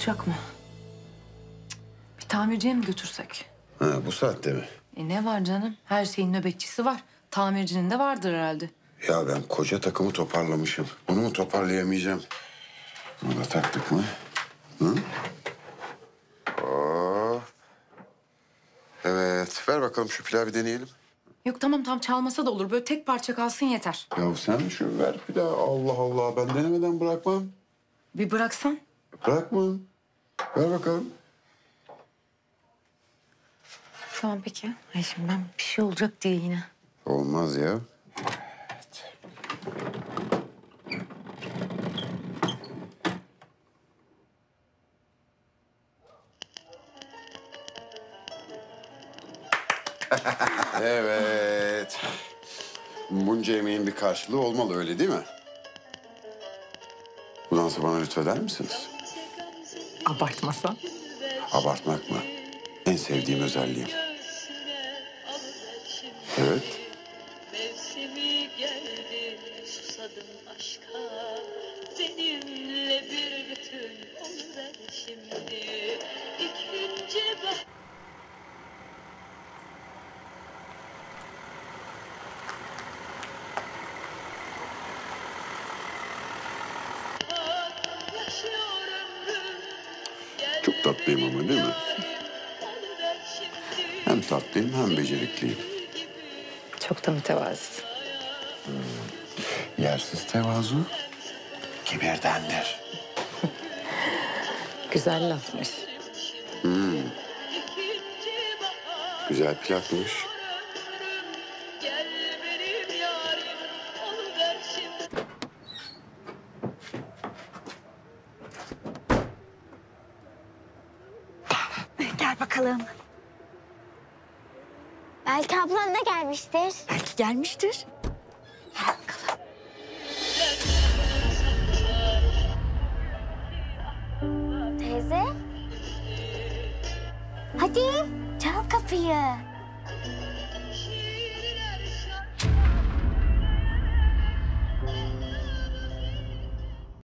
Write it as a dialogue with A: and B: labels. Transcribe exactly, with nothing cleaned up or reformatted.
A: Çalışacak mı? Cık, bir tamirciye mi götürsek?
B: Ha, bu saatte mi?
A: E ne var canım? Her şeyin nöbetçisi var. Tamircinin de vardır herhalde.
B: Ya ben koca takımı toparlamışım. Onu mu toparlayamayacağım? Bunu da taktık mı? Hı? Oo. Evet, ver bakalım şu pilavı bir deneyelim.
A: Yok tamam tam çalmasa da olur. Böyle tek parça kalsın yeter.
B: Ya sen şu ver pilavı. Allah Allah, ben denemeden bırakmam.
A: Bir bıraksan.
B: Bırakmam. Ver bakalım.
A: Tamam peki. Ay şimdi ben bir şey olacak diye yine.
B: Olmaz ya. Evet. Bunca emeğin bir karşılığı olmalı, öyle değil mi? Bu dansı bana lütfeder misiniz?
A: Abartmasan.
B: Abartmak mı? En sevdiğim özelliğim. Evet.
C: Mevsimi geldi, susadım aşka. Seninle bir bütün oluver şimdi. İkinci bah... Yaşıyor ömrüm.
B: Çok tatlıyım ama değil mi? Hem tatlıyım hem becerikliyim.
A: Çok da mütevazı.
B: Yersiz tevazu kibirdendir.
A: Güzel lafmış.
B: Güzel plakmış.
C: Gel benim yarim, oluver şimdi.
D: Gel bakalım.
E: Belki ablan da gelmiştir.
D: Belki gelmiştir. Gel bakalım.
E: Teyze. Hadi çal kapıyı.